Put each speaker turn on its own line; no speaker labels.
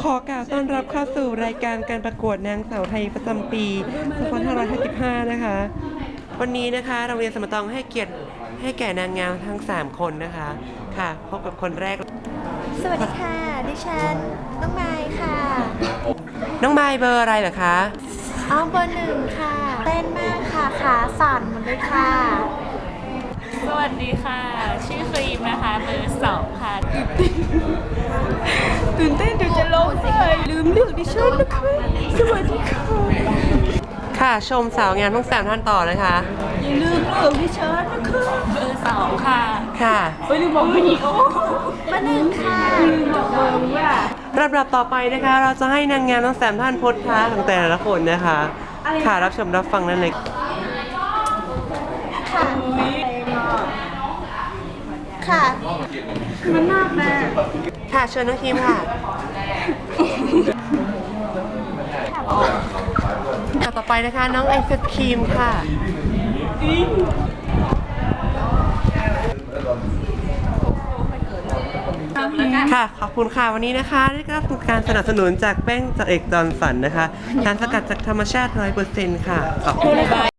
อกล่าวต้อนรับเข้าสู่รายการการประกวดนางสาวไทยประจำปี2555นะคะ วันนี้นะคะโรงเรียนสมตองให้เกียรติให้แก่นางงามทั้ง3คนนะคะค่ะพบกับคนแรก
สวัสดีค่ะดิฉันน้องไมค์ค่ะ
น้องไมค์เบอร์อะไรเหรอคะ
เบอร์1ค่ะเต้นมากค่ะขาสั่นหมดเลยค่ะ
สวัสดีค่ะชื่อครีมนะคะเบอร์2ค่ะ
ตื่นเต้นเดี๋ยวจะร้องไห้ลืมเลือกดิฉันนะคะสวัสดีค่ะ
ค่ะชมสาวงามทั้ง3ท่านต่อนะคะ
อย่าลืมเลือกดิฉันนะคะ
เบอร์2ค่ะ
ค่ะ
ลืมบอกผู้หญิงเบอร์1ค่ะลืมบอกเบอร์ว่า
ลำดับต่อไปนะคะเราจะให้นางงามทั้ง3ท่านโพสท่าของแต่ละคนนะคะค่ะรับชมรับฟังนั่นเลย
ค่ะมันมากนะ
ค่ะเชิญน้องคิมค่ะต่อไปนะคะน้องไอศครีมค่ะค่ะขอบคุณค่ะวันนี้นะคะได้รับการสนับสนุนจากแป้งจากเอกจอห์นสันนะคะสารสกัดจากธรรมชาติ 100% ค่ะขอบคุณค่ะ